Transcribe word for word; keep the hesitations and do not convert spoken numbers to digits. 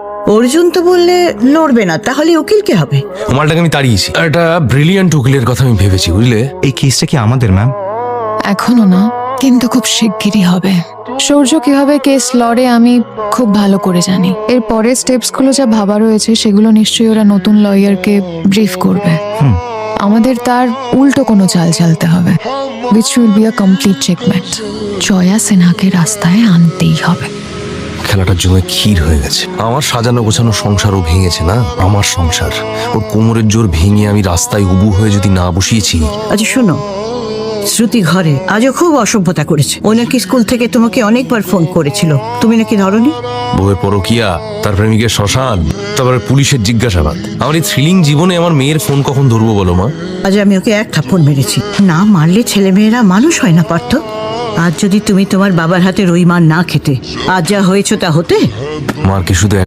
অর্জুন তো বললে লড়বে না, তাহলে উকিল কে হবে? মালটাকে আমি তাড়িয়েছি, একটা ব্রিলিয়ান্ট উকিলের কথা আমি ভেবেছি, বুঝলে? এই কেসটা কি আমাদের ম্যাম? এখনো না, কিন্তু খুব শিগগিরই হবে। সূর্য কিভাবে কেস লড়ে আমি খুব ভালো করে জানি। এর পরের স্টেপস গুলো যা ভাবা রয়েছে সেগুলো নিশ্চয়ই ওরা নতুন লয়ারকে ব্রিফ করবে। আমাদের তার উল্টো কোনো চাল চালতে হবে, which will be a complete checkmate। Jaya সিনহাকে রাস্তায় আনতেই হবে। খেলাটার জন্য ক্ষীর হয়ে গেছে। আমার সাজানো গোছানো সংসারও ভেঙেছে না, আমার সংসার। ওর কোমরের জোর ভেঙে আমি রাস্তায় উবু হয়ে যদি না বসিয়েছি। আচ্ছা শোনো, শ্রুতি ঘরে আজও খুব অসভ্যতা করেছে। ও নাকি স্কুল থেকে তোমাকে অনেকবার ফোন করেছিল, তুমি নাকি ধরনি। বউয়ের পরকিয়া, তার প্রেমিকের শ্মশান, তারপরে পুলিশের জিজ্ঞাসাবাদ। আমার এই থ্রিলিং জীবনে আমার মেয়ের ফোন কখন ধরবো বলো মা? আজ আমি ওকে এক থাপ্পড় মেরেছি। না মারলে ছেলে মেয়েরা মানুষ হয় না পার্থ। আজ যদি তুমি তোমার বাবার হাতে রুই মার না খেতে, আজ যা হয়েছ তা হতে। মার কি শুধু